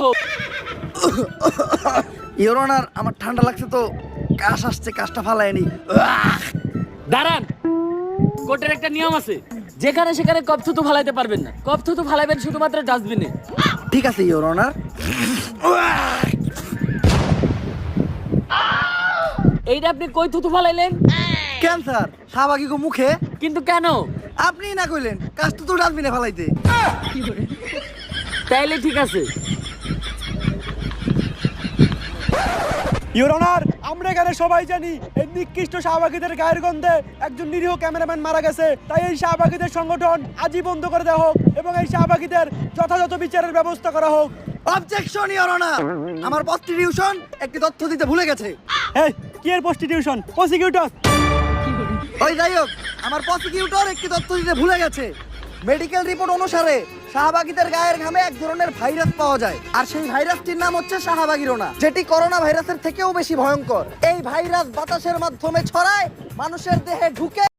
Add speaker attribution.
Speaker 1: হোক।
Speaker 2: Your honour, আমার ঠান্ডা লাগছে তো কাশ আসছে, কাশটা ফালায়নি।
Speaker 1: দাঁড়ান, কোর্টের একটা নিয়ম আছে, যেখানে সেখানে কপ থুতু ফালাইতে পারবেন না। কপ থুতু ফালাইবেন শুধুমাত্র ডাস্টবিনে।
Speaker 2: ঠিক আছে ইওর অনার।
Speaker 1: এইটা আপনি কই থুতু ফালাইলেন?
Speaker 2: ক্যান্সার শাহবাগী গো মুখে।
Speaker 1: কিন্তু কেন?
Speaker 2: আপনি না কইলেন কাশ তো ডাস্টবিনে ফালাইতে।
Speaker 1: তাইলে ঠিক আছে।
Speaker 3: ইওর অনার, আমরা এখানে সবাই জানি এই নিকৃষ্ট শাহবাগীদের গায়ের গন্ধে একজন নিরীহ ক্যামেরাম্যান মারা গেছে। তাই এই শাহবাগীদের সংগঠন আজই বন্ধ করে দেওয়া হোক এবং এই শাহবাগীদের যথাযথ বিচারের ব্যবস্থা করা হোক।
Speaker 2: অবজেকশন ইওর অনার, আমার প্রস্টিটিউশন একটি তথ্য দিতে ভুলে গেছে।
Speaker 3: এই কি এর প্রস্টিটিউশন? প্রসিকিউটর।
Speaker 2: ওই যাই হোক, আমার প্রসিকিউটর একটি তথ্য দিতে ভুলে গেছে। মেডিকেল রিপোর্ট অনুসারে শাহবাগীদের গায়ের ঘামে এক ধরনের ভাইরাস পাওয়া যায়, আর সেই ভাইরাসটির নাম হচ্ছে শাহবাগীরোনা, যেটি করোনা ভাইরাসের থেকেও বেশি ভয়ঙ্কর। এই ভাইরাস বাতাসের মাধ্যমে ছড়ায়, মানুষের দেহে ঢুকে